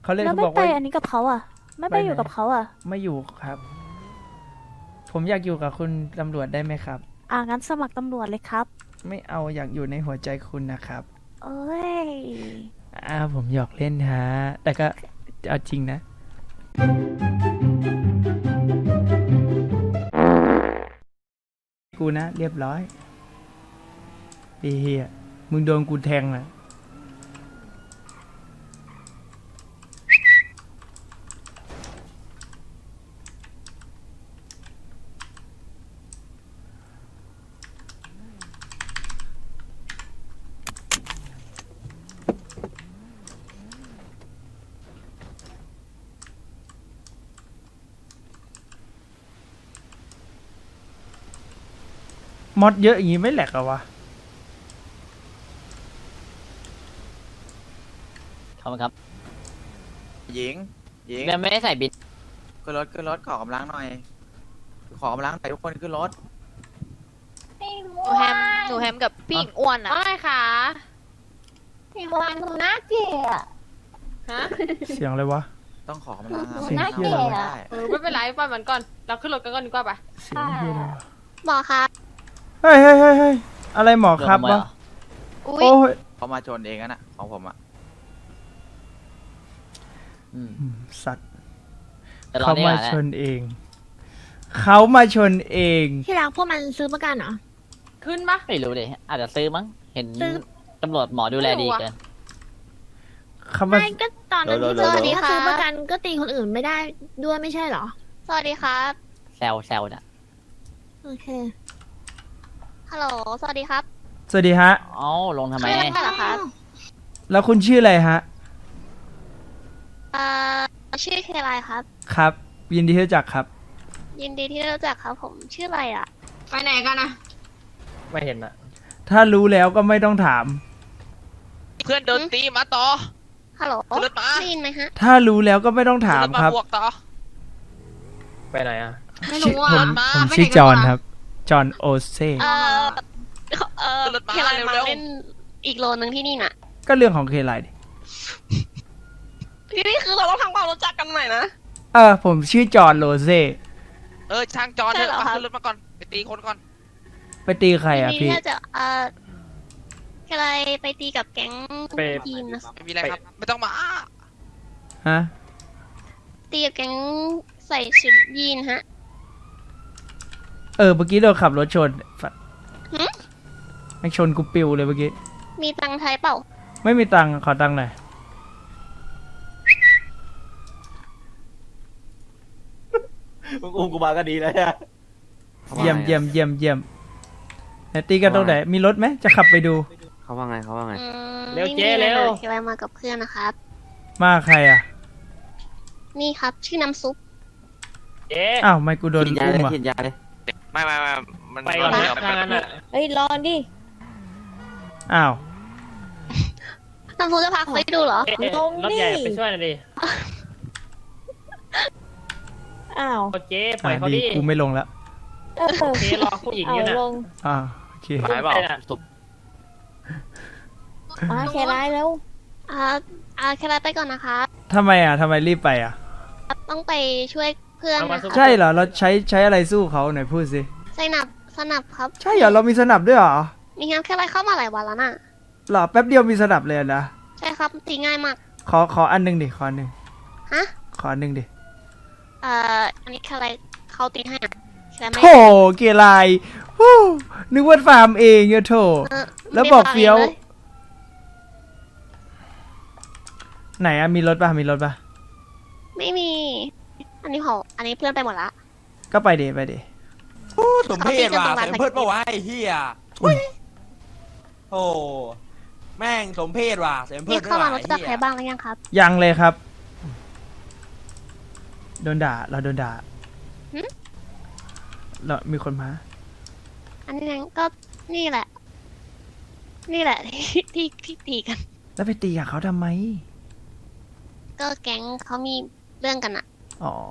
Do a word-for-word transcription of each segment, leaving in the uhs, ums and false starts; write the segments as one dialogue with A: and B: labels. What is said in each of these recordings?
A: เขาเลย
B: แล้ว
A: เขา
B: ไม่
A: บอก
B: ไป
A: ว่า
B: อันนี้กับเขาอ่ะ ไม่ไป
A: ไปไหน
B: อยู่กับเขาอ่ะ
A: ไม่อยู่ครับ ผมอยากอยู่กับคุณตำรวจได้ไหมครับ
B: อ่างั้นสมัครตำรวจเลยครับ
A: ไม่เอาอยากอยู่ในหัวใจคุณนะครับ
B: เอ้ย
A: อ่าผมหยอกเล่นฮะแต่ก็เอาจริงนะกูนะเรียบร้อยไอ้เฮียมึงโดนกูแทงนะมอดเยอะอย่างงี้ไม่แหลกเหรอวะ
C: ขอบคุณครับ
D: หญิงหญิง
C: ยังไม่ได้ใส่บิน
D: ขึ้นรถขึ้นรถขอกำลังหน่อย ขอกำลังหน่อยทุกคนขึ้นรถ
E: หนูแฮมหนูแฮมกับพี่หญิงอ้วนอ่ะ
F: ว่าไงคะ
E: พี่วันหนูน่าเกลียด
F: ฮะ
A: เสียงอะไรวะ
D: ต้องขอกำลังอะ
A: เสียง
D: ไม่
A: เหี้ยอะไรวะ
D: ได้
F: เออไม่เป็นไรปล่อยมันก่อน เราขึ้นรถกันก่อนดีกว่าปะ
A: เสียงเฮียอะไรวะ
E: หมอคะ
A: เฮ้ยเฮ้ยเฮ้ยเฮ้ยอะไรหมอครับ
C: โดนขโมยว
A: ะ
C: เหรอ
E: อุ้ย
A: โอ้ย
D: เขามาชนเองอะนะของผมอะ
C: อืม
A: อืมสัตว์
C: แต่รอ
A: เขา
C: นี่
A: มา
C: ก่อนแหละ
A: ชนเอง เขามาชนเอง
E: ที่รักพวกมันซื้อประกันเหรอ
F: ขึ้นปะ
C: ไม่รู้ดิอาจจะซื้อมั้ง เห็น
E: ซื้อ
C: ตำรวจหมอดูแลดีเกิน
A: เขามา
E: ไม่ก็ตอนนั้นที่
C: โดนโดน
E: เจอ
C: โดน
E: นี้ซื้อประกันก็ตีคนอื่นไม่ได้ด้วยไม่ใช่เหรอ สวัสดีครับ
C: แซวแซวน่ะ
E: โอเค ฮัลโหล สวัสดีครับ
A: สวัสดีฮะ
C: เอ้าลงทำไม
E: ชื่ออะไรเหรอครับ
A: แล้วคุณชื่ออะไรฮะ
E: เอ่อ ชื่อเคไลครับ
A: ครับ ยินดีที่รู้จักครับ
E: ยินดีที่ได้รู้จักครับผม ชื่ออะไรอ่ะ
F: ไปไหนกันนะ
G: ไม่เห็นอะ
A: ถ้ารู้แล้วก็ไม่ต้องถาม
G: เพื่อนโดนตีมาต่อ
E: ฮัลโหล
G: ขึ้นรถมา
E: ได้ยินไหมฮะ
A: ถ้ารู้แล้วก็ไม่ต้องถาม
G: ขึ้น
A: ครับ
G: บวกต่อ
H: ไปไหนอ่ะ
F: ไม่
A: ชื่อ
F: รู้อ่ะ
A: ผม
G: มา
A: ผม
F: ไม่
A: ชื่อ
F: เห็น
A: จอห์น
F: กันเหรอ
A: ครับ จอห์นโอเซ่
E: เอ่อ เอ่อ
G: ขึ้นรถมา
E: เคไลมา
G: เร็วๆ
E: เล่นอีกโลนึงที่นี่น่ะ
A: ก็เรื่องของเคไลดิ
F: ที่นี่คือเราต้องทำความรู้จักกันใหม่นะ
A: เออ ผมชื่อจอห์นโรเซ่
G: เออช่างจอนเถ
E: ใช่
G: อะ
E: เหรอ
G: มา
E: ครับ
G: ขึ้นรถมาก่อน ไปตีคนก่อน
A: ไปตีใครอ่ะ
E: ยินดี
A: พี่
E: ที่จะเอ่อเคไลไปตีกับแก๊ง
H: ไป
E: ยีนนะ
G: ไม่มีอะไรครับ ไม่ต้องมาอ้า
A: ฮะ
E: ตีกับแก๊งใส่ชุดยีนฮะ
A: เออ เมื่อกี้เราขับรถชนฝัด
E: หึ
A: ไม่ชนกูปิวเลยเมื่อกี้
E: มีตังค์ไทยเปล่า
A: ไม่มีตังค์ขอตังค์หน่อย
H: มึงอุ้มกูมาก็ดีแล้วอะ
A: เยี่ยมเยี่ยมเยี่ยมเยี่ยมไหนตีกันตรงไหน มีรถไหม จะขับไปดู
H: เขาว่าไงเขาว่าไง
E: อืม
H: เร็ว
E: ไม่
H: เจ๊
E: มีอะไร
H: เร็ว
E: ค่ะเคไลมากับเพื่อนนะครับ
A: มาใครอ่ะ
E: นี่ครับ ชื่อน้ำซุป
H: เจ๊
A: อ้าว ไม่กูโดน
H: ฉีดยา
A: อุ้
H: เล
A: ม
H: ย
A: อ่ะ
H: ฉีดยาเลย
G: ไม่ไม่ไม่มัน
H: ไปก่อน
G: มั
H: นะทางนั้นอ่ะ
B: เฮ้ย รอดิ
A: อ้าว
E: น้ำซุปจะพาเขาไปดูเหรอ
H: เอ๊ะ
B: ลงดิ
H: รถใหญ่ไปช่วยหน่อยดิ
B: อ้าว
H: โอเจ๊ปล่
A: อ่า
H: อยเขา
A: ดี
H: ดิ
A: กูไม่ลงแล้ว
B: เออ
H: โอเครอผู้หญิง
B: เอา
H: อยู่น่ะ
B: ลง
A: อ่าโอเค
H: หายเปล่า
B: มาแค่ร้ายแล้ว
E: อ่า อ่าเคไลไปก่อนนะคะ
A: ทำไมอ่ะทำไมรีบไปอ่ะ
E: ต้องไปช่วยเพื่อนนะคะ
A: ใช่เหรอ เราใช้ใช้อะไรสู้เขาหน่อยพูดสิ
E: สนับสนับครับ
A: ใช่เหรอ เรามีสนับด้วยเหรอ
E: มีงานแค่ไรเข้ามาหลายวันแล้วน่ะ
A: เหรอ แป๊บเดียวมีสนับเลยนะ
E: ใช่ครับ ตีง่ายมาก
A: ขอขออันหนึ่งดิ ขออันหนึ่ง
E: ฮะ
A: ขออันหนึ่งดิ
E: เอ่อ อันนี้แค่ไรเขาตีให้อะแค่ไม่
A: โถเกลายฮู้นึกว่าฟาร์มเองอะโถ
E: เออ
A: แล้วบอก
E: ไม่
A: เฟี้ยว
E: ลย
A: ไหนอะมีรถป่ะ มีรถป่ะ
E: ไม่มี อันนี้ของอันนี้เพื่อนไปหมดละ
A: ก็ไปเดไปเด
D: โอ้สมเพศว่ะ
E: เขาตีกันตรงร้าน
D: สมเพศปะวะไอ้เหี้ยทุยโอ้แม่งสมเพศว่ะสมเพ
E: นี่
D: ศด้ว
E: เข้าย มา
D: ว่ะ
E: รู้
D: ไอ้
E: จัก
D: เหี้
E: ใคร
D: ย
E: บ้างหรือยังครับ
A: ยังเลยครับ โดนด่า เราโดนด่า
E: หึ
A: เรามีคนมา
E: อันนี้นั่นก็นี่แหละ นี่แหละ ที่ที่ที่ตีกัน
A: แล้วไปตีกับเขาทำไม
E: ก็แก๊งเขามีเรื่องกันอะ
A: อ๋อ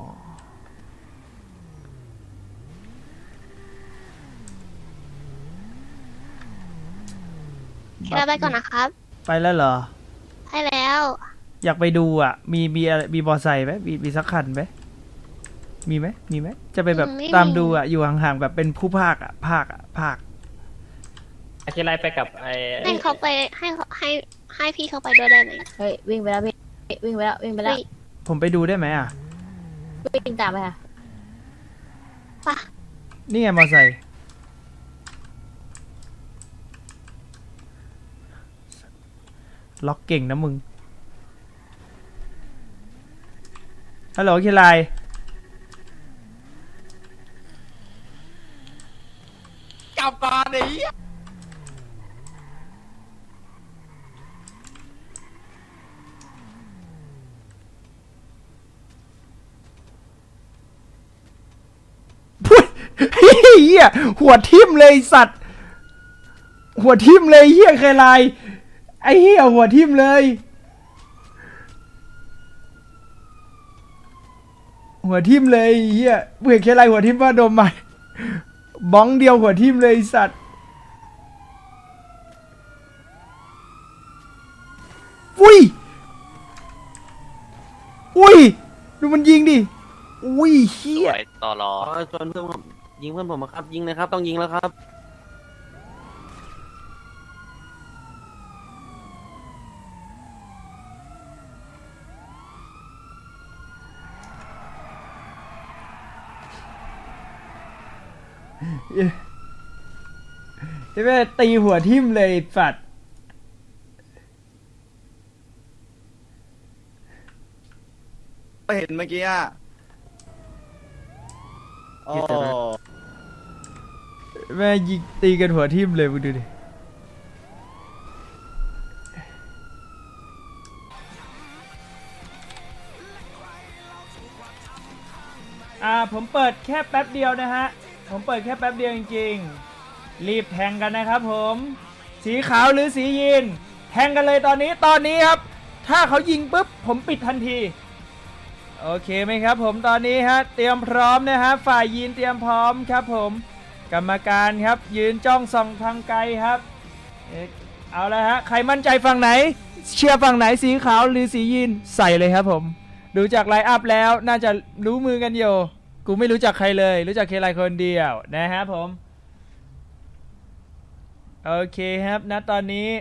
E: แค่ไปก่อนนะครับ
A: ไปแล้วเหรอ
E: ใช่แล้ว
A: อยากไปดูอ่ะ มีมีอะไรมีบอไซค์ไหมมีมีสักคันไหมมีไหมมีไหมจะไปแบบ
E: ไม่มี
A: ตามดูอ่ะอยู่ห่างๆแบบเป็นผู้ภาคอ่ะภาคอ่ะภาค
H: อาเคไลไปกับไอ้
E: ให้เขาไปให้เขาให้ให้พี่เขาไปด้วยได้ไหม
B: เฮ้ยวิ่งไปแล้ววิ่งวิ่งไปแล้ววิ่งไปแล้ว
E: เฮ้ย
A: ผมไปดูได้ไหมอ่ะ
B: วิ่งตามไปค่ะ
E: ปะ
A: นี่ไงมอไซค์ล็อกเก่งนะมึงฮัลโหลคิไล
D: กลับก่อนไอ้เหี้ย
A: พูดเฮียหัวทิ่มเลยสัตว์ หัวทิ่มเลยเฮียเคยไลไอ้เฮียหัวทิ่มเลยหัวทิ่มเลยเฮียเบื่อเคยไลหัวทิ่มว่าโดมใหม่บ้องเดียวหัวทิ่มเลยสัตว์อุ้ยอุ้ยดูมันยิงดิอุ้ยเฮี
G: ส
A: ย
G: วยต่อรอ
I: อ๋อชวนเพื่อนผมยิงเพื่อนผมอะครับ ยิงเลยครับ ต้องยิงแล้วครับ
A: ใช่ไหมตีหัวทิ่มเลยฝัด
J: เห็นเมื่อกี้อ่ะโอ้
A: แม่ยิงตีกันหัวทิ่มเลยมึงดูดิอ่าผมเปิดแค่แป๊บเดียวนะฮะผมเปิดแค่แป๊บเดียวจริงๆรีบแทงกันนะครับผมสีขาวหรือสียีนแทงกันเลยตอนนี้ตอนนี้ครับถ้าเขายิงปุ๊บผมปิดทันทีโอเคไหมครับผมตอนนี้ฮะเตรียมพร้อมนะฮะฝ่ายยีนเตรียมพร้อมครับผมกรรมการครับยืนจ้องส่องทางไกลครับเอ๊ะเอาละฮะใครมั่นใจฝั่งไหนเชียร์ฝั่งไหนสีขาวหรือสียีนใส่เลยครับผมดูจากไลน์อัพแล้วน่าจะรู้มือกันอยู่กูไม่รู้จักใครเลยรู้จักเคไลคนเดียวนะฮะผมโอเคครับณตอนนี้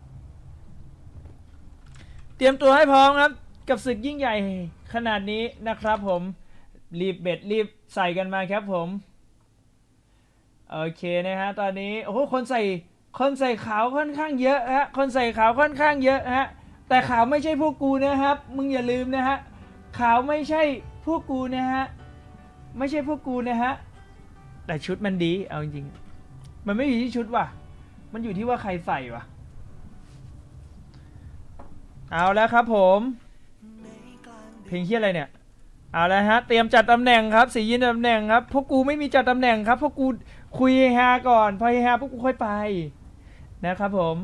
A: เตรียมตัวให้พร้อมครับกับศึกยิ่งใหญ่ขนาดนี้นะครับผมรีบเบ็ดรีบใส่กันมาครับผมโอเคนะฮะตอนนี้โอ้โหคนใส่คนใส่ขาวค่อนข้างเยอะฮะคนใส่ขาวค่อนข้างเยอะฮะแต่ขาวไม่ใช่พวกกูนะครับมึงอย่าลืมนะฮะขาวไม่ใช่พวกกูนะฮะไม่ใช่พวกกูนะฮะแต่ชุดมันดีเอาจริงๆมันไม่อยู่ที่ชุดว่ะมันอยู่ที่ว่าใครใส่ว่ะเอาแล้วครับผมเพลงเฮียอะไรเนี่ยเอาแล้วฮะเตรียมจัดตำแหน่งครับสียินตำแหน่งครับพวกกูไม่มีจัดตำแหน่งครับพวกกูคุยฮาก่อนพอฮาพวกกูค่อยไปนะครับผม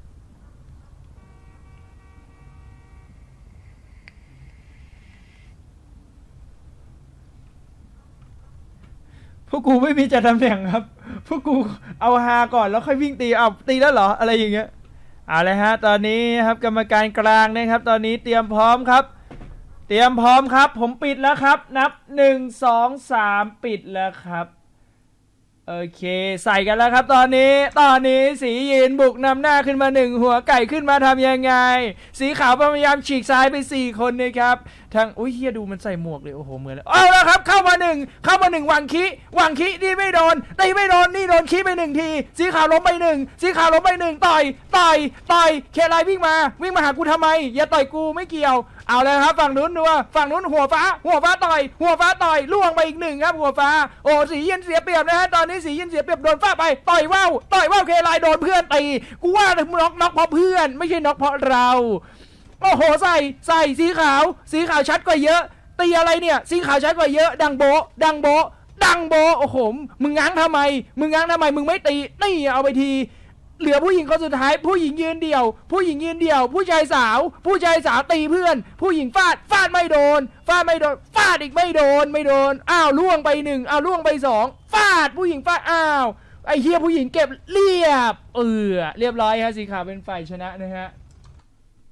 A: พวกกูไม่มีจัดตำแหน่งครับพวกกูเอาฮาก่อนแล้วค่อยวิ่งตีเอาตีแล้วเหรออะไรอย่างเงี้ยเอาเลยฮะตอนนี้ครับกรรมการกลางนะครับตอนนี้เตรียมพร้อมครับเตรียมพร้อมครับผมปิดแล้วครับนับหนึ่งสองสามปิดแล้วครับโอเคใส่กันแล้วครับตอนนี้ตอนนี้สียีนบุกนำหน้าขึ้นมาหนึ่งหัวไก่ขึ้นมาทำยังไงสีขาวพยายามฉีกซ้ายไปสี่คนนะครับทางอุ้ยเฮียดูมันใส่หมวกเลยโอ้โหเหมือนเลยเอาแล้วครับเข้ามาหนึ่งเข้ามาหนึ่งวังคิวังคินี่ไม่โดนตีไม่โดนนี่โดนคิไปหนึ่งทีสีขาวล้มไปหนึ่งสีขาวล้มไปหนึ่งต่อยต่อยต่อยเคไลวิ่งมาวิ่งมาหากูทำไมอย่าต่อยกูไม่เกี่ยวเอาเลยครับฝั่งนู้นดูว่าฝั่งนู้นหัวฟ้าหัวฟ้าต่อยหัวฟ้าต่อยล่วงไปอีกหนึ่งครับหัวฟ้าโอ้สีเย็นเสียเปรียบนะฮะตอนนี้สีเย็นเสียเปรียบโดนฟาดไปต่อยว่าวต่อยว่าวเคไลโดนเพื่อนตีกูว่าน็อกน็อกเพราะเพื่อนไม่ใช่น็อกเพราะเราโอ้โหใส่ใส่สีขาวสีขาวชัดกว่าเยอะตีอะไรเนี่ยสีขาวชัดกว่าเยอะดังโบดังโบดังโบโอ้โหมึงง้างทำไมมึงง้างทำไมมึงไม่ตีนี่เอาไปทีเหลือผู้หญิงคนสุดท้ายผู้หญิงยืนเดี่ยวผู้หญิงยืนเดี่ยวผู้ชายสาวผู้ชายสาวตีเพื่อนผู้หญิงฟาดฟาดไม่โดนฟาดไม่โดนฟาดอีกไม่โดนไม่โดนอ้าวล่วงไปหนึ่งอ้าวล่วงไปสองฟาดผู้หญิงฟาดอ้าวไอ้เฮียผู้หญิงเก็บเรียบเออเรียบร้อยฮะสีขาวเป็นฝ่ายชนะนะฮะ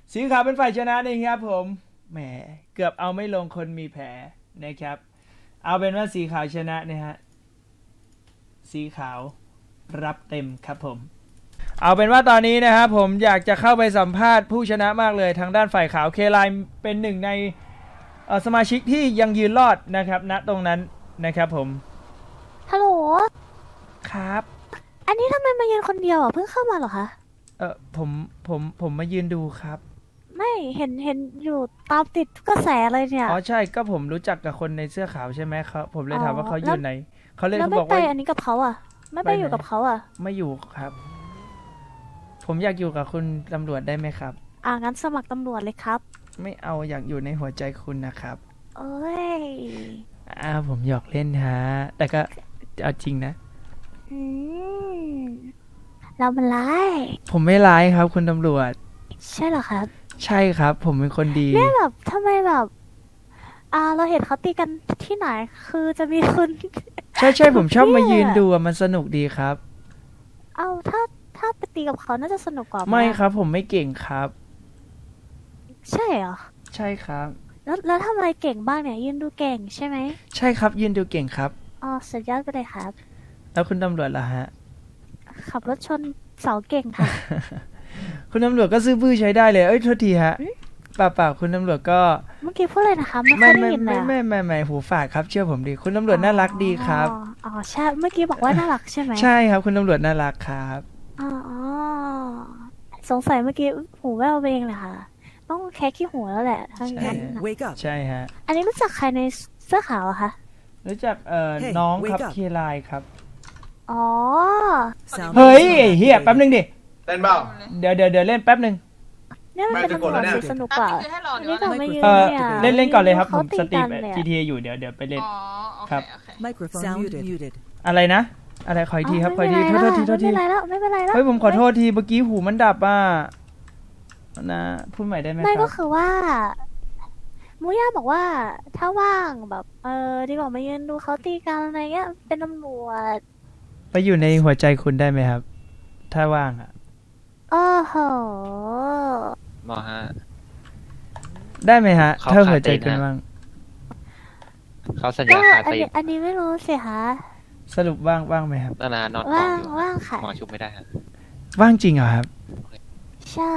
A: สีขาวเป็นฝ่ายชนะนะครับผมแหมเกือบเอาไม่ลงคนมีแผลนะครับ เอาเป็นว่าสีขาวชนะนะฮะสีขาวรับเต็มครับผมเอาเป็นว่าตอนนี้นะครับผมอยากจะเข้าไปสัมภาษณ์ผู้ชนะมากเลยทางด้านฝ่ายขาวเคไลน์เป็นหนึ่งในเอ่อสมาชิกที่ยังยืนรอดนะครับณตรงนั้นนะครับผม
E: ฮัลโหล
A: ครับ
E: อันนี้ทำไมมายืนคนเดียวอ่ะ เพิ่งเข้ามาเหรอคะ
A: เออผมผมผมมายืนดูครับ
E: ไม่เห็นเห็นอยู่ตามติดทุกกระแสเลยเนี่ย
A: อ๋อใช่ก็ผมรู้จักกับคนในเสื้อขาวใช่ไหมครับผมเลยถามว่าเขาอ
E: แล้
A: ยู่
E: ว
A: ไหนเขาเลย
E: แล้ว
A: เขา
E: ไม่
A: บอก
E: ไป
A: ว่า
E: อันนี้กับเขาอ่ะ ไม่ไป
A: ไปไหน
E: อยู่กับเขาอ่ะ
A: ไม่อยู่ครับ ผมอยากอยู่กับคุณตำรวจได้ไหมครับ
E: อ่างั้นสมัครตำรวจเลยครับ
A: ไม่เอาอยากอยู่ในหัวใจคุณนะครับ
E: เอ้ย
A: อ่าผมหยอกเล่นฮะแต่ก็เอาจริงนะ
E: อืมเรามันร้าย
A: ผมไม่ร้ายครับคุณตำรวจ
E: ใช่เหรอครับ
A: ใช่ครับ ผมเป็นคนดี
E: เนี่ยแบบทำไมแบบ อ่า เราเห็นเขาตีกันที่ไหน คือจะมีคน
A: ใช่ใช่ผมชอบมา
E: เนี่ย
A: ยืนดูอะมันสนุกดีครับ
E: เอาถ้าถ้าไปตีกับเขาน่าจะสนุกกว่าห
A: ไม่
E: อะ
A: ครับผมไม่เก่งครับ
E: ใช่เหรอ
A: ใช่ครับ
E: แล้วแล้วทำอะไรเก่งบ้างเนี่ย ยืนดูเก่งใช่ไหม
A: ใช่ครับยืนดูเก่งครับ
E: อ๋อสุดยอดไปเลยครับ
A: แล้วคุณตำรวจล่ะฮะ
E: ขับรถชนเสาเก่งค่ะ
A: คุณตำรวจก็ซื้อบื้อใช้ได้เลย เอ้ยโทษทีฮะ
E: อืม
A: เปล่าเปล่าคุณตำรวจก็
E: เมื่อกี้พูดอะไรนะคะ ไม่ค่
A: ไม่
E: อยได้
A: ไม่
E: ยินเล
A: ไม่
E: ยอะ
A: ไม่ไม่ไม่หูฝาดครับเชื่อผมดิคุณตำรวจน่ารักดีครับ
E: อ๋ออ๋อใช่ เมื่อกี้บอกว่าน่ารักใช่ไหม
A: ใช่ครับคุณตำรวจน่ารักครับ
E: อ๋ออ๋อสงสัยเมื่อกี้หูแว่วไปเองเลยค่ะ ต้องแคะขี้หูแล้วแหละถ้าอย่าง
A: ใช่
E: นั้น
A: ฮะ
E: น่ะ
J: Wake up
A: ใช่ฮะ
E: อันนี้รู้จักใครในเสื้อขาวอะคะ
A: รู้จักเอ่อ
J: Hey,
A: น้อง
J: wake
A: ครับ
J: up
A: เคไลน์ครับ
E: อ๋อ
J: Sound
A: เฮ้ยไอ้เฮียแป๊บนึงดิ
J: เต้นเปล่า
A: เดี๋ยวเดี๋ยวเดี๋ยวเล่นแป๊บนึง
E: เนี่ยมันเป็น
J: ไม่
E: ตำรวจ
J: จะกดแล้วเนี่ย
E: สิสนุกกว่า
F: คือให้รอ
E: อัน
F: เดี๋ยว
E: นี้เราไม่ยืน
A: เออ
E: เนี่ย
A: เล่นเล่นก่อนเลยครับผ
E: เขา
A: ม
E: ตี
A: สตรี
E: กั
A: ม
E: นเลยอะ
A: จี ที เอ อยู่เดี๋ยวเดี๋ยวไปเล่น
F: อ๋อโอ
A: ค
F: เครับ โอเค
J: Microphone
K: Sound
J: muted.
K: muted.
A: อะไรนะ อะไรขออีกทีครับขออีกทีโทษโทษทีโทษที
E: ไม่เป็นไรแล้วไม่เป็นไรแล้ว
A: เฮ้ยผมขอโทษทีเมื่อกี้หูมันดับอ่ะนะพูดใหม่ได้ไหมค
E: ไม่
A: รั
E: ก็
A: บ
E: คือว่ามูย่าบอกว่า ถ้าว่างแบบ เออดีกว่ามายืนดูเขาตีกันอะไรเงี้ยเป็นตำรวจ
A: ไปอยู่ในหัวใจคุณได้ไหมครับ ถ้าว่างอ่ะ
E: โอ้โห
G: หมอฮะ
A: ได้ไหมฮะ
G: เขา
A: ถ้าหัวใจ
G: ขาดตีน
A: คุณ
G: ฮะ
A: ว่าง
G: เขาสัญ
E: ก็
G: ญาขา
E: อัน
G: ตี
E: นี้อันนี้ไม่รู้สิคะ
A: สรุปว่างว่างไหมครับ
G: นานานอนกอ
E: ว่าง ง
G: อยู่
E: ว่างค่ะ
G: หมอชุบไม่ได้ฮะ
A: ว่างจริงเหรอครับ
E: ใช่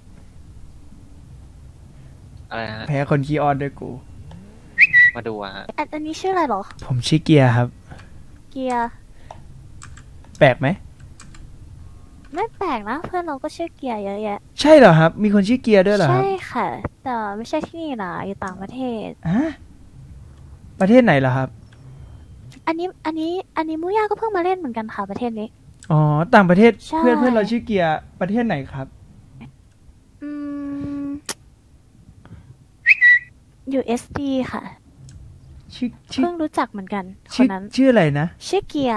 G: อะไรฮะ
A: แพ้คนคีย์ออนด้วยกู
G: มาดูอะฮะ
E: อันอันนี้ชื่ออะไรเหรอ
A: ผมชื่อเกียร์ครับ
E: เกียร์
A: แปลกไหม
E: ไม่แปลกนะ เพื่อนเราก็ชื่อเกียร์เยอะแยะ
A: ใช่เหรอครับ มีคนชื่อเกียร์ด้วยเหรอค
E: ใช่
A: รับ
E: ค่ะ แต่ไม่ใช่ที่นี่นะอยู่ต่างประเทศ
A: ฮะประเทศไหนเหรอครับ
E: อันนี้อันนี้อันนี้มูย่าก็เพิ่งมาเล่นเหมือนกันค่ะประเทศนี้
A: อ๋อ ต่างประเทศ
E: ใช่
A: เพื่อนเพื่อนเราชื่อเกียร์ประเทศไหนครับ
E: อืม อยู่ เอส ดี ค่ะ
A: ชื่อชื่อ
E: เพิ่งรู้จักเหมือนกันค
A: ชื่
E: น
A: อ
E: นั้น
A: ชื่ออะไรนะ
E: ชื่อเกียร์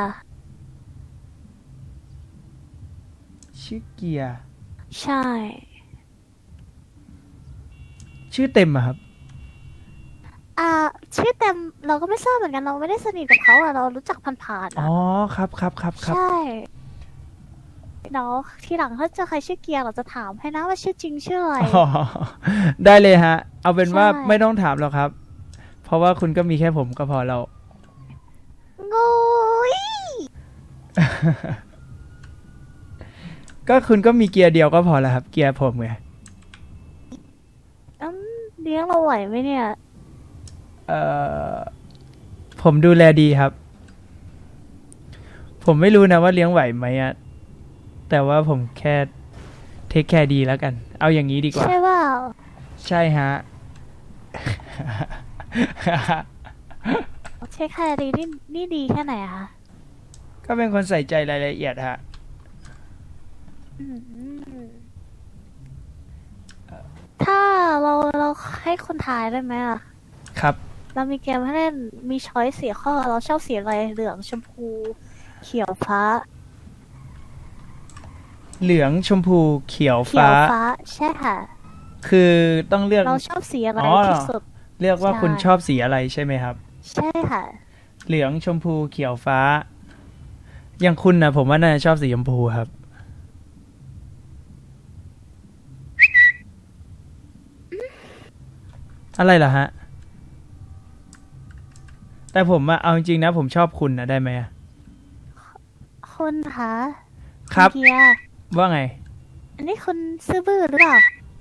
A: ชื่อเกียร์
E: ใช่
A: ชื่อเต็มอะครับ
E: อ่า ชื่อเต็มเราก็ไม่ทราบเหมือนกันเราไม่ได้สนิทกับเขาอะเรารู้จักผ่านๆ
A: อ๋
E: อะ
A: อ ครับครับครับครับ
E: ใช่เดี๋ยวทีหลังถ้าเจอใครชื่อเกียร์เราจะถามให้นะว่าชื่อจริงชื่ออะไร
A: อ๋อได้เลยฮะ เอาเป็นว่า
E: ใช่
A: ไม่ต้องถามหรอกครับ เพราะว่าคุณก็มีแค่ผมก็พอแล้ว
E: งูย
A: ก็คุณก็มีเกียร์เดียวก็พอแล้วครับ เกียร์ผมไง
E: อืมเลี้ยงเราไหวไหมเนี่ย
A: เอ่อ ผมดูแลดีครับ ผมไม่รู้นะว่าเลี้ยงไหวไหมอะแต่ว่าผมแค่เทคแคร์ดีแล้วกัน เอาอย่างนี้ดีกว่า
E: ใช่เปล่า
A: ใช่ฮะ
E: เช็คแคร์ดีนี่นี่ดีแค่ไหนอะคะ
A: ก็เป็นคนใส่ใจรายละเอียดฮะ
E: อืมถ้าเราเราให้คนทายได้ไหมอะ
A: ครับ
E: เรามีเกมให้เล่นมีช้อยสี่ข้อ เราชอบสีอะไรเหลืองชมพู เขียวฟ้า
A: เหลืองชมพูเขียว
E: เขีย
A: ฟ้า
E: วฟ้า ใช่ค่ะ
A: คือต้องเลือก
E: เราชอบสีอะไร
A: อ๋อ
E: ที่สุด
A: เลือกว่า
E: ใช่
A: คุณชอบสีอะไรใช่ไหมครับ
E: ใช่ค่ะ
A: เหลืองชมพูเขียวฟ้า อย่างคุณนะผมว่าน่าจะชอบสีชมพูครับอะไรเหรอฮะ แต่ผมอะเอาจริงๆนะ ผมชอบคุณนะได้ไหมอะ
E: คุณคะ
A: ครับ
E: ณเทีย
A: ว่าไง
E: อันนี้คุณซื่อบื้อหรือเปล่า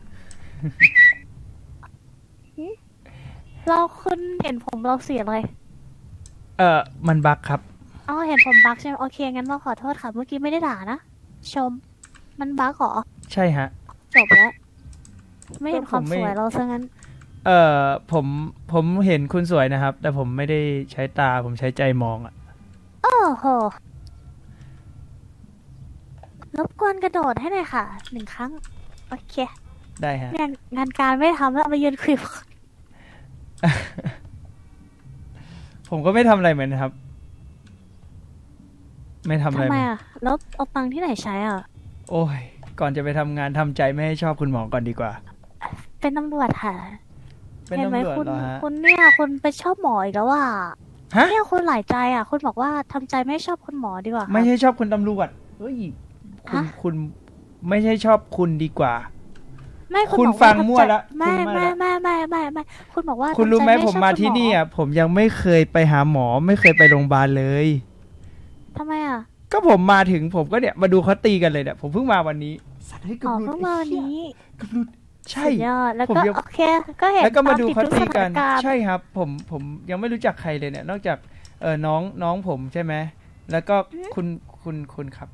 E: หึเราคุณเห็นผมเราเสียอะไร
A: เออมันบักครับ
E: อ๋อเห็นผมบักใช่ไหมโอเคงั้นเราขอโทษค่ะเมื่อกี้ไม่ได้ด่านะชม มันบักเหรอ
A: ใช่ฮะ
E: จบแล้ว ไม่เห็นความ
A: ก็ผมไม่
E: สวยเราซะงั้น
A: เออผมผมเห็นคุณสวยนะครับ แต่ผมไม่ได้ใช้ตาผมใช้ใจมองอะ
E: โอ้โหรบกวนกระโดดให้หน่อยค่ะหนึ่งครั้ง โอเค
A: ได้ฮะ
E: งานงานการไม่ทำแล้วมายืนคุย
A: ผมก็ไม่ทำอะไรเหมือนนะครับ ไม่ทำอะไร
E: ทำ
A: เห
E: ไม
A: มือน
E: อ่ะ แล้วเอาตังค์ที่ไหนใช้อ่ะ
A: โอ้ย ก่อนจะไปทำงานทำใจไม่ให้ชอบคุณหมอก่อนดีกว่า
E: เป็นตำรวจค่ะ
A: เป็น
E: เห็นไหม
A: ตำรวจ
E: คุณ
A: เหรอฮะ
E: คุณเนี่ยคุณไปชอบหมออีกแล้วอ่ะ
A: ฮะ
E: เนี่ยคุณหลายใจอ่ะ คุณบอกว่าทำใจไม่ชอบคุณหมอดีกว่าค่ะ
A: ไม่ใช่ชอบคุณตำรวจเฮ้ยคุณ
E: ฮะ
A: คุณไม่ใช่ชอบคุณดีกว่า
E: ไม่
A: คุณ
E: บอกา
A: ฟัง
E: ทำใจ
A: มั่วละ
E: ไม่
A: คุณมั่ว
E: ไม่
A: ละ
E: ไม่ไม่ไม่ไม่คุณบอกว่า
A: คุณรู้ไหม
E: ทำใจ
A: ผม
E: ชอบ
A: มา
E: คุณ
A: ที่
E: หอ
A: นี่อ่ะผมยังไม่เคยไปหาหมอ ไม่เคยไปโรงพยาบาลเลย
E: ทำไมอ่ะ
A: ก็ผมมาถึงผมก็เนี่ยมาดูเขาตีกันเลยเนี่ยผมเพิ่งมาวันนี้สัตว์ให้ยเกับ
E: อ๋อ
A: หลุด
E: เพิ่งมาวันนี้
A: เกับหลุดใช่
E: สุดยอดแล้ว
A: ผม
E: ก็
A: ยัง
E: โอเค ก็เห็น
A: แล้วก็มาดู
E: ต
A: เขา
E: ติ
A: ตี
E: ทุ
A: กัน
E: สถาารณ์
A: ใช่ครับ ผมผมยังไม่รู้จักใครเลยเนี่ย นอกจากเออน้องน้องผมใช่ไหมแล้วก็คุณคุณคุณครับ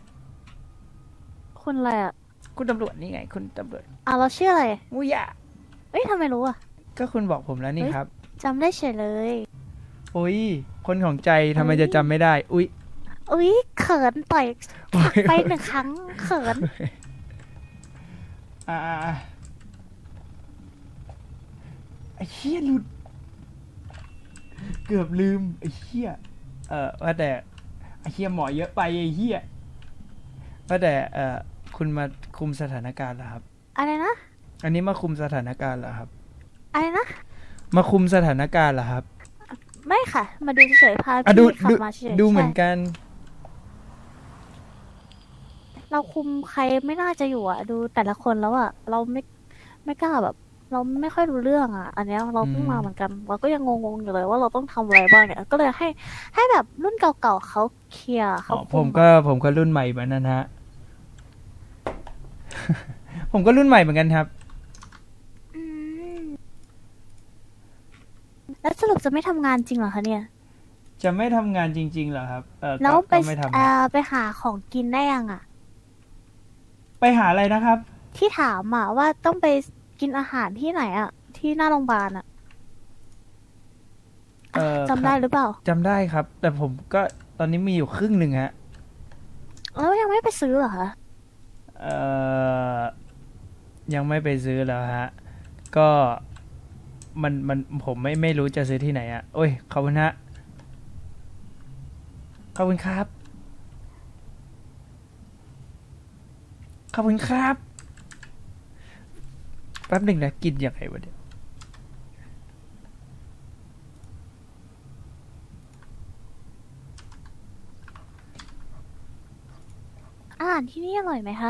E: คุณอะไรอ่ะ
A: คุณตำรวจนี่ไง คุณตำรวจ
E: อ่ะเราชื่ออะไร
A: มุยะ
E: เอ้ยทำไมรู้อ่ะ
A: ก็คุณบอกผมแล้วนี่
E: เฮ้ย
A: ครับ
E: จำได้เฉยเลย
A: อุ้ยคนของใจทำไม
E: เฮ้ย
A: จะจำไม่ได้ อุ้ย
E: อุ้ยเขินต่อยผลักไปหนึ่งครั้งเขิน
A: อ่าอ่าอ่าไอ้เหี้ยหลุด เกือบลืมไอ้เหี้ยเออว่าแต่ไอ้เหี้ยหมอเยอะไปไอ้เหี้ยว่าแต่เออคุณมาคุมสถานการณ์เหรอครับ
E: อะไรนะ
A: อันนี้มาคุมสถานการณ์เหรอครับ
E: อะไรนะ
A: มาคุมสถานการณ์เหรอครับ
E: ไม่ค่ะ มาดูเฉยๆพา
A: อ่ะดู
E: พี่ขับ
A: ดู
E: มาเฉยๆ
A: ดูเหมือน
E: ใช่
A: กัน
E: เราคุมใครไม่น่าจะอยู่อ่ะ ดูแต่ละคนแล้วอ่ะ เราไม่ไม่กล้าแบบ เราไม่ค่อยรู้เรื่องอ่ะ อันเนี้ยเราเพิ่ง
A: อืม
E: มาเหมือนกัน เราก็ยังงงๆอยู่เลยว่าเราต้องทำอะไรบ้างเนี่ย ก็เลยให้ให้แบบรุ่นเก่าๆเขาเคลียร์
A: อ๋
E: เขา
A: อ
E: คุ
A: ผมก็ผมก็รุ่นใหม่เหมือนนั้นฮะ ผมก็รุ่นใหม่เหมือนกันครับ
E: อืมแล้วสรุปจะไม่ทำงานจริงเหรอคะเนี่ย
A: จะไม่ทำงานจริงๆเหรอครับ เออก็
E: แล้วไป
A: ก็ไม่ทำ
E: เอ่
A: ฮะ
E: อไปหาของกินได้ยังอ่ะ
A: ไปหาอะไรนะครับ
E: ที่ถามอ่ะว่าต้องไปกินอาหารที่ไหนอ่ะ ที่หน้าโรงพยาบาลอ่ะ
A: เออ
E: จำได้
A: ครับ
E: หรือเปล่า
A: จำได้ครับ แต่ผมก็ตอนนี้มีอยู่ครึ่งหนึ่งฮะ
E: แล้วยังไม่ไปซื้อเหรอคะ
A: เออยังไม่ไปซื้อแล้วฮะ ก็มันมันผมไม่ไม่รู้จะซื้อที่ไหนอะโอ้ยขอบคุณฮะขอบคุณครับ ขอบคุณครับ แป๊บหนึ่งนะกินยังไงวะเดี๋ยว
E: อาหารที่นี่อร่อยไหมคะ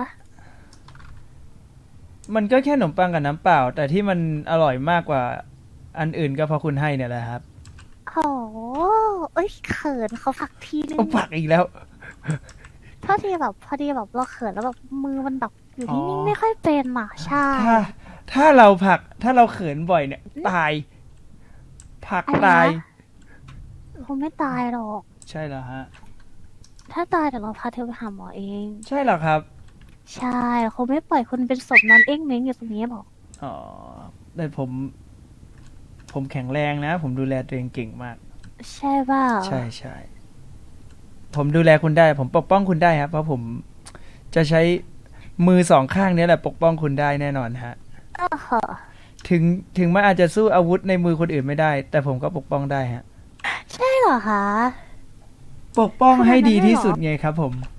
A: มันก็แค่ขนมปังกับน้ำเปล่า แต่ที่มันอร่อยมากกว่าอันอื่นก็เพราะคุณให้เนี่ยแหละครับ
E: โหเอ้ยเขินเขาฝักทีนึง
A: โอ้ผักอีกแล้ว
E: พอดีแบบพอดีแบบเราเขินแล้วแบบมือมันแบบอยู่
A: อ๋อ
E: นิ่งๆไม่ค่อยเป็นอ่ะใช่
A: ถ้าถ้าเราผักถ้าเราเขินบ่อยเนี่ย ตาย ผัก
E: อะไรนะ
A: ตาย
E: คงไม่ตายหรอก
A: ใช่แล้วฮะ
E: ถ้าตายเดี๋ยวเราพาเธอไปหาหมอเอง
A: ใช่เหรอครับ
E: ใช่คงไม่ปล่อยคุณเป็นศพนอนเอ้งเม้งอยู่ตรงนี้หรอก
A: อ๋อแต่ผม ผมแข็งแรงนะ ผมดูแลตัวเองเก่งมาก
E: ใช่เปล่า
A: ใช่ใช่ผมดูแลคุณได้ ผมปกป้องคุณได้ครับ เพราะผมจะใช้มือสองข้างเนี้แหละปกป้องคุณได้แน่นอนฮะ
E: โอ้โห
A: ถึงถึงมันอาจจะสู้อาวุธในมือคนอื่นไม่ได้ แต่ผมก็ปกป้องได้ฮะ
E: ใช่เหรอคะ
A: ปกป้องให้ดีที่
E: ขนาดนั้นเลยเหรอ
A: สุดไงครับ ผม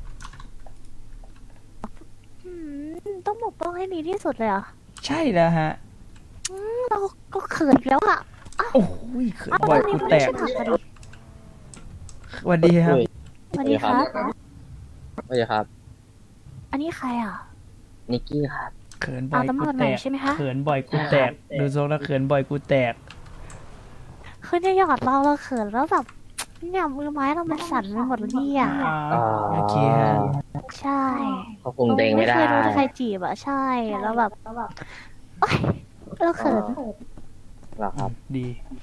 E: อืมต้องปกป้องให้ดีที่สุดเลยเหรอ
A: ใช่แล้วฮะ
E: อืมเราก็เขินอีกแล้วอ่ะ
A: โอ้ยเขิน
E: อ้าว
A: บ่อย
E: ตอนนี้
A: กู
E: คุณ
A: แต
E: ไม่
A: ก
E: ใช่ผักพอดี
A: สวัสดีครับ
E: สวัสดีครับ
G: สวัสดีครับ
E: อันนี้ใครอ่ะ
G: นิกกี้ครับ
A: เขินบ่
E: เอา
A: อย
E: ตำร
A: กู
E: วจห
A: แต
E: น่อย
A: ก
E: ใช่ไหมคะ
A: เขินบ่อยกูแตกดูทรงแล้วเขินบ่อยกูแตก
E: คือเนี่ยหยอดเราเราเขินแล้วแบบเนี่ยมือไม้เรามันสั่นไปหมดเลยเนี่ย
A: อ่าโอเคฮะ
E: ใช่
G: เขาคุมตัวเองไม่ได้
E: เคยโดนใครจีบอะใช่แล้วแบบแล้วแบบโอ๊ยเราเขิน
G: หรอครับ
A: ดี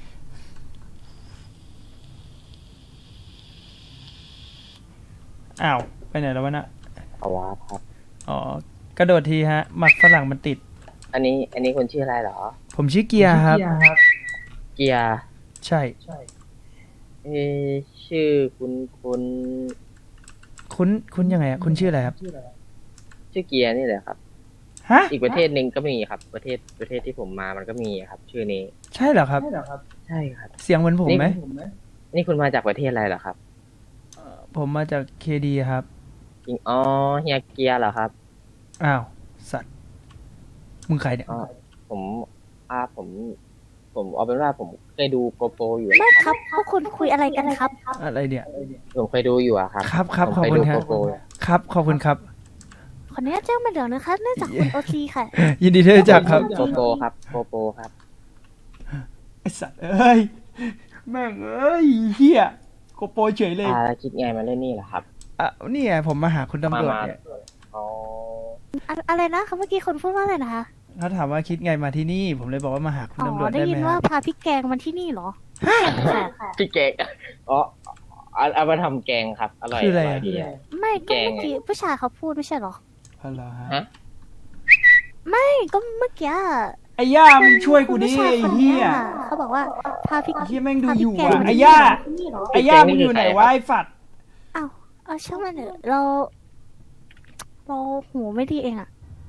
A: อ้าว ไปไหนแล้ววะน่ะ
G: เอาวะครับ
A: อ๋อ กระโดดทีฮะ หมักฝรั่งมันติด
G: อันนี้ อันนี้คุณชื่ออะไรเหรอ
A: ผมชื่อเกียร์ครับ
G: เกียร์
A: ใช่
G: เออชื่อคุณคุณ
A: คุณคุณยังไงอะคุณชื่ออะไรครับ
G: ชื่อเกียร์นี่แหละครับ
A: ฮะ
G: อีกประเทศหนึ่งก็มีครับ ประเทศประเทศที่ผมมามันก็มีครับ ชื่อนี้
A: ใช่เหรอครับ
G: ใช่ครับ
A: เสียงเหมือนผมไหม
G: นี่คุณมาจากประเทศอะไรเหรอครับ
A: ผมมาจากเคดีครับ
G: จริงอ๋อเฮียเกียร์เหรอครับ
A: อ้าว สัตว์ มึงใครเนี่ย
G: อ๋อผมอ่าผม ผมเอาเป็นว่าผมเคยดูโกโปรอยู่
E: ไม่ครับพวกคุณคุยอะไรกันครับ
A: อะไรเนี่ย
G: ผมเคยดูอยู่อะครับ
A: ครับครับ
G: ผม
A: ขอบ
G: เคย
A: คุณ
G: ดู
A: ครับ
G: โกโปร
A: ครับ ขอบคุณครับ
E: ขออนุญาตแจ้งมาเดี๋ยวนะคะเนื่องจากคุณโอซีค่ะ
A: ยินดีที่รู้จักครับ
G: โกโปรครับโกโปรครับ
A: ไอสัตว์เอ้ย แม่งเอ้ยเฮียโกโปรเฉยเลย
G: อ่าแล้วคิดไงมาเล่นนี่เหรอครับ
A: อ่ะนี่ไงผมมาหาคุณตำรวจ
G: มา
A: เนี่ย
G: อ๋อ
E: อะอะไรนะคะเมื่อกี้คนพูดว่าอะไรนะคะ
A: เขาถามว่าคิดไงมาที่นี่ ผมเลยบอกว่ามาหาคุณ
E: อ๋
A: ตำรว
E: อ
A: จ
E: ได้
A: ได้
E: ยิ
A: ไห
E: น
A: ม
E: ว่า
A: ฮะ
E: พาพี่แกงมาที่นี่เหรอ
G: พี่เก๊กอ๋อเอาเอามาทำแกงครับ อร่อย
A: คืออะไร
G: อร่อย
A: อะ
G: ดีอะ
E: ไม่ก็
G: แกง
E: เมื่อกี้ผู้ชายเขาพูดไม่ใช่เหรอ
A: ฮัลโหลฮะ
G: ฮะ
E: ไม่ก็เมื่อกี้อะ
A: ไอ้ย่ามึงช่วยกูดิ
E: ผู้ชาย
A: ไอ้
E: คน
A: เฮี
E: เนี้
A: ย
E: ยเขาบอกว่าพาพี่
A: ไอ้เฮียแม่งดู
E: พา
A: อ
E: พี่
A: ยู่
E: แกง
A: อ่ะ
E: มา
A: ไอ้
E: ที่
A: ย่า
E: นี่เหรอ
A: ไอ้ย่ามึงอยู่ไหนวะไอ้ฝัด
E: อ้าวเอาช่างมันเถอะเรา เราหูไม่ดีเองอะ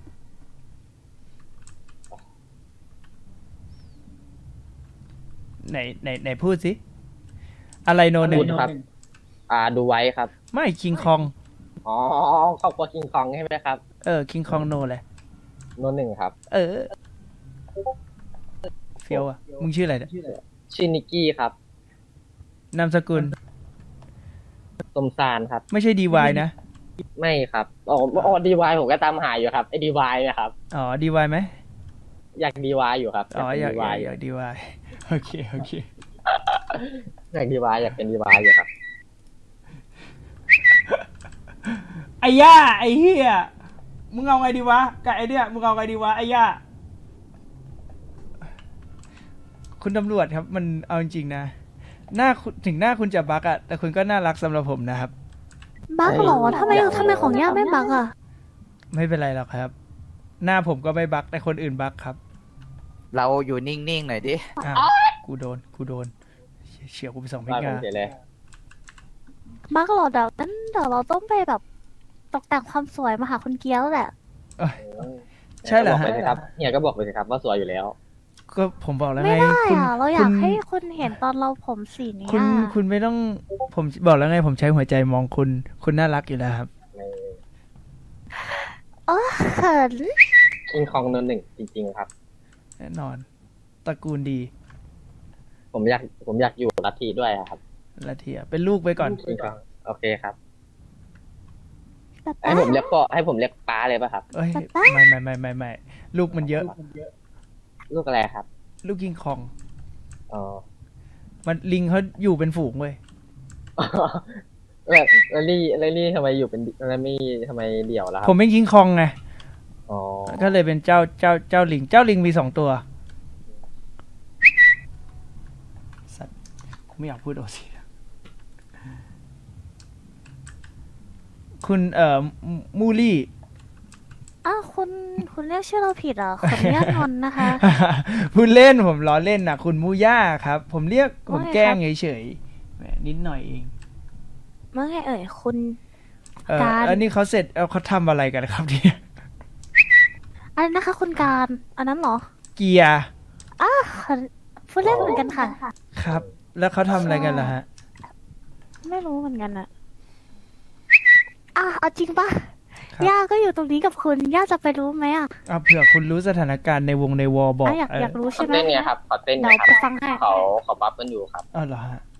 A: ไหนไหนไหนพูดสิ อะไรโนหนึ่
G: พู
A: ง
G: ดครับ อ่าดูไว้ครับ
A: ไม่คิงคอง
G: อ๋อครอบครัวคิงคองใช่ไหมครับ
A: เออคิงคองโนเลย
G: โนหนึ่งครับ
A: เออ เฟียวอ่ะ มึงชื่ออะไรเนี่ย
G: ชื่อนิกกี้ครับ
A: นามสกุล
G: สมซานครับ
A: ไม่ใช่ดีวายนะ
G: ไม่ครับอ๋ออ๋อดีวายผมก็ตามหาอยู่ครับไอ้ดีวายนะครับ
A: อ๋อดีวายไหม
G: อยากดีวายอยู่ครับ
A: อ๋ออยาก
G: ดีวาย
A: อยากดีวาย โอเคโอเค
G: อยากดีวายอยากเป็นดีวายอยู่ครับ
A: ไอ้ย่าไอ้เฮียมึงเอาไงดีวะกับไอ้เนี่ยมึงเอาไงดีวะไอ้ย่าคุณตำรวจครับ มันเอาจริงๆนะหน้าคุณถึงหน้าคุณจะบักอะแต่คุณก็น่ารักสำหรับผมนะครับ
E: บักเหรอทำไมทำไมของย่าไม่บักอะ
A: ไม่เป็นไรหรอกครับ หน้าผมก็ไม่บักแต่คนอื่นบักครับ
J: เราอยู่นิ่งๆหน่อยดิ
A: อ้าวกูโดนกูโดนเฉียวกูไปสองเม็ด
G: ว่าผม
A: งา
G: เสียเลย
E: บักเหรอเดี๋ยวนั้นเดี๋ยวเราต้องไปแบบตกแต่งความสวยมาหาคุณเกี้ยวแหละ
A: เอ้ย ใช่เหรอ
G: บอก
A: ฮะ
G: ไปสิครับเฮียก็บอกไปสิครับว่าสวยอยู่แล้ว
A: ก็ผมบอกแล้ว
E: ไม่
A: ไง
E: ได้
A: คุณ
E: อะเราอยาก
A: คุณ
E: ให้คุณเห็นตอนเราผมสีนี้
A: คุณ
E: อะ
A: คุณไม่ต้องผมบอกแล้วไง ผมใช้หัวใจมองคุณ คุณน่ารักอยู่แล้วครับ
E: เออเขิน
G: คิงคองโนหนึ่งจริง ๆ ครับ
A: แน่นอนตระกูลดี
G: ผมอยากผมอยากอยู่ลัทธิด้วยอะครับ
A: ละเทียเป็นลูกไปก่อน
G: คิงคองโอเคครับ
E: แบบ
G: ให้ผมเรียกพ่อให้ผมเรียกป้าเลยป่ะครับ
A: เอ้ยไม่ไม่ไม่ไม่ไม่ลูกมันเยอะ
G: ลูกอะไรครับ
A: ลูกกิงคอง
G: อ๋อ
A: มันลิงเขาอยู่เป็นฝูงเว้ย
G: แบบแล้วลี่แล้วลี่ทำไมอยู่เป็นแล้วไม่ทำไมเดี่ยวล่ะครั
A: ผมเป็นคิงคองไง
G: อ๋อ
A: ก็เลยเป็นเจ้าเจ้าเจ้าลิง เจ้าลิงมีสองตัว สัตว์กูไม่อยากพูดโอซีคุณเอ่อมูมูลี่
E: อ้าวคุณคุณเรียกชื่อเราผิดเหรอขออนุญาตงอนนะคะ
A: พูดเล่นผมล้อเล่นนะคุณมูย่าครับ ผมเรียกผม
E: ว่าไง
A: แกล้ง
E: ครับ
A: เฉยๆแหมนิดหน่อยเอง
E: เมื่อไงเอ่ยคุณ
A: เออ
E: การ
A: อันนี้เขาเสร็จเอาเขาทำอะไรกันครับเนี่ย
E: อะไรนะคะ คุณการอันนั้นเหรอ
A: เกียร์
E: อ้าวพูดเล่นเหมือนกันค่ะ
A: ครับ แล้วเขาทำอะไรกันล่ะฮะ
E: ไม่รู้เหมือนกันอะอ่ะเอาจริงปะ
A: ครับ
E: ย่าก็อยู่ตรงนี้กับคุณ ย่าจะไปรู้ไหมอะ
A: เอาเผื่อคุณรู้สถานการณ์ในวงในวอลบอก
E: อ่ะอยาก
A: เออ
E: อยากรู้
G: ขอ
E: ใช่ไหม
G: เต้นไงครับขอเต้นไง
E: เดี๋ยว
G: ครับ
E: ไปฟังให้
G: เขาเขาบัฟกันอยู่ครับ
A: เอาเหรอฮะ